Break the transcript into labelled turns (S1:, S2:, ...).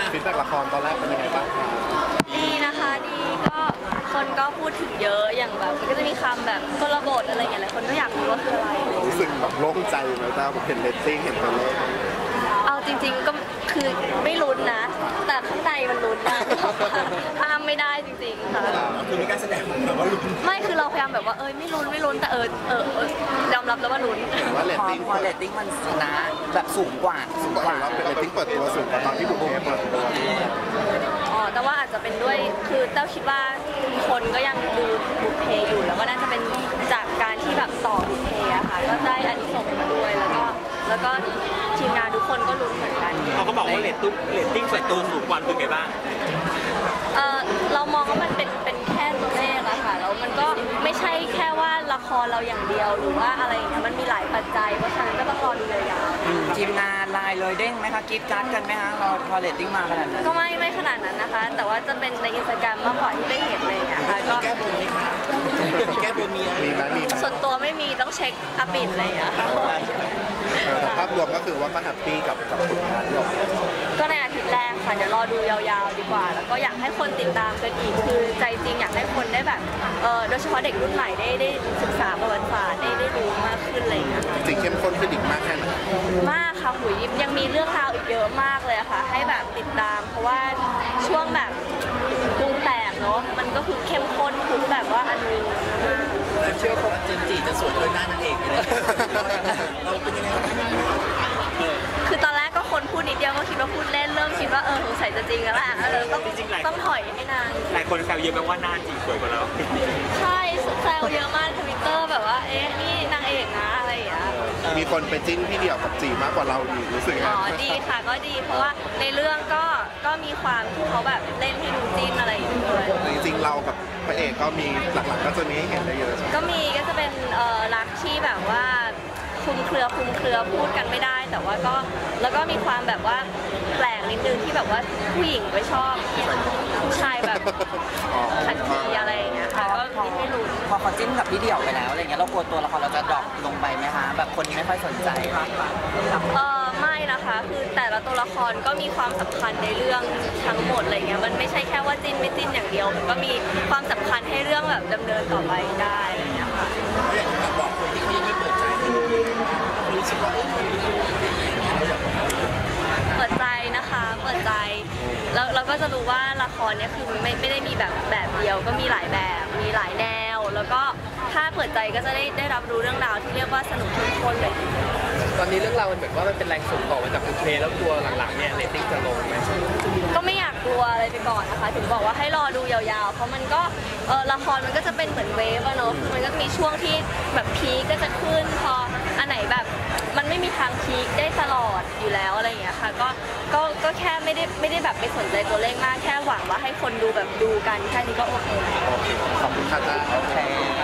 S1: ฟีดแบ็กละครตอนแรกเป็นยังไงบ้างครับ
S2: ดีนะคะดีก็คนก็พูดถึงเยอะอย่างแบบมันก็จะมีคำแบบกลบทอะไรอย่างเงี้ยหลายคนก็อยากรู้ว่าคืออะไร
S1: รู้สึกแบบโล่งใจไหมตาผมเห็นเรตติ้งเห็นตัวเลข
S2: เอาจริงๆก็คือไม่ลุ้นนะแต่ข้างในมันลุ้นนะห้ามไม่ได้จริงๆค่ะ
S3: คือมีการแสดงแบบว่าลุ้น
S2: ไม่คือเราพยายามแบบว่าไม่ลุ้นแต่ยอมรับแล้วว่าลุ้น
S1: ว่าเรตติ้ง
S4: พอเรตติ้งมันชนะแบบสูงกว่า
S1: ว่าเป็นเรตติ้งเปิดตัวสูงกว่าตอนที่บุกเบิกเปิดตัว
S2: แต่ว่าอาจจะเป็นด้วยคือเต้าคิดว่าคนก็ยังดูบุพเพอยู่แล้วก็น่าจะเป็นจากการที่แบบต่อบุพเพอะค่ะก็ได้อานิสงส์มาด้วยแล้วก็ทีมงานทุกคนก็ลุ้นเหมือนกัน
S3: เขาก็บอกว่าเรตติ้งเปิดตัวสูงกว่าเป็นไงบ้าง
S2: เรามองว่ามันเป็นแค่ตัวเลขอะค่ะแล้วมันก็ไม่ใช่แค่ว่าละครเราอย่างเดียวหรือว่าอะไรอย่างเงี้ยมันมีหลายปัจจัยเพราะฉะนั้นก็ต้องรอดูยาว
S4: ๆทีมงานไลน์เลยเด้งไหมคะกิ๊บกัดกันไหมคะเราพอเรตติ้งมาขนาดนั้น
S2: ก็ไม่ขนาดนั้นนะคะแต่ว่าจะเป็นในอินสตาแกรมมากกว่าที่ได้เห็นเลยค่ะก็
S3: แก้บนไหมคะแก้บนมี
S1: ไหม
S2: ส่วนตัวไม่มีต้องเช็คอัปเดตเลยอะ
S1: แต่ภาพรวมก็คือว่าก็แฮปปี้กับผลงานที่ออกมา
S2: ก็ในอาทิตย์แรกค่ะเดี๋ยวรอดูยาวๆดีกว่าแล้วก็อยากให้คนติดตามกันอีกคือใจจริงอยากให้คนได้แบบโดยเฉพาะเด็กรุ่นใหม่ได้ศึกษาประวัติศาสตร์ได้รู้มากขึ้นอะไรอย่างเงี้ย
S1: จริงเข้มข้นขึ้นอีกมากแค่ไหน
S2: มากค่ะหุยยังมีเรื่องราวอีกเยอะมากเลยค่ะให้แบบติดตามเพราะว่าช่วงแบบปรุงแต่งเนาะมันก็คือเข้มข้นทุกแบบว่าอันนึง
S3: เชื่อว่าเจนจีจะสวยด้วยหน้านางเอกเลยเราเป็นยังไง
S2: คือตอนแรกก็คนพูดนิดเดียวก็คิดว่าพูดเล่นเริ่มคิดว่าสงสัยจะจริงแล้วแหละต้องถอยให้นาง
S3: หลายคนแซวเยอะแปลว่าหน้าจีสวยกว่าเรา
S2: ใช่แซวเยอะมากทวิตเตอร์แบบว่านี่นางเอกนะอะไรอย่างเงี้ย
S1: มีคนไปจิ้นพี่เดี่ยวกับจีมากกว่าเราอีกรู้สึกไง
S2: ดีค่ะก็ดีเพราะว่าในเรื่องก็มีความที่เขาแบบเล่นให้ดูจิ้นอะไรอย่างเงี้ยด้วย
S1: จริงๆเรากับพระเอกก็มีหลักๆก็จะมีให้เห็นได้เยอะ
S2: ก็มีก็จะเป็นรักที่แบบว่าคลุมเครือพูดกันไม่ได้แต่ว่าก็แล้วก็มีความแบบว่าแปลกนิดนึงที่แบบว่าผู้หญิงไม่ชอบผู้ชายแบบขัดขีอะไรอย่างเงี้ยค่ะก็ไม่รู้
S4: พอเขาจิ้นกับพี่เดี่ยวไปแล้วอะไรเงี้ยเรากลัวตัวละครเราจะดรอปลงไปไหมคะแบบคนไม่ค่อยสนใจ
S2: ไม่นะคะคือแต่ละตัวละครก็มีความสำคัญในเรื่องทั้งหมดอะไรเงี้ยมันไม่ใช่แค่ว่าจิ้นไม่จิ้นอย่างเดียวมันก็มีความสำคัญให้เรื่องแบบดำเนินต่อไปได้อะไรเงี้ยค่ะ
S3: บอกคนที่ไม่เปิดใจรู้สึกว่า
S2: เปิดใจนะคะเปิดใจแล้วเราก็จะรู้ว่าละครเนี่ยคือไม่ได้มีแบบเดียวก็มีหลายแบบมีหลายแนวแล้วก็ถ้าเปิดใจก็จะได้รับรู้เรื่องราวที่เรียกว่าสนุกเข้มข้นเลย
S3: ตอนนี้เรื่องราวมันเหมือนว่ามันเป็นแรงส่งต่อมาจากบุพเพแล้วตัวหลังๆเนี่ยเรตติ้งจะลงไหม
S2: ก็ไม่อยากกลัวอะไรไปก่อนนะคะถึงบอกว่าให้รอดูยาวๆเพราะมันก็ละครมันก็จะเป็นเหมือนเวฟอะเนาะคือมันก็มีช่วงที่แบบพีคก็จะขึ้นพออันไหนแบบมันไม่มีทางพีคได้ตลอดอยู่แล้วอะไรอย่างเงี้ยค่ะก็แค่ไม่ได้แบบไปสนใจตัวเลขมากแค่หวังว่าให้คนดูแบบดูกันแค่นี้ก็โอเค
S1: ขอบคุณค่ะจ้า
S4: โอเค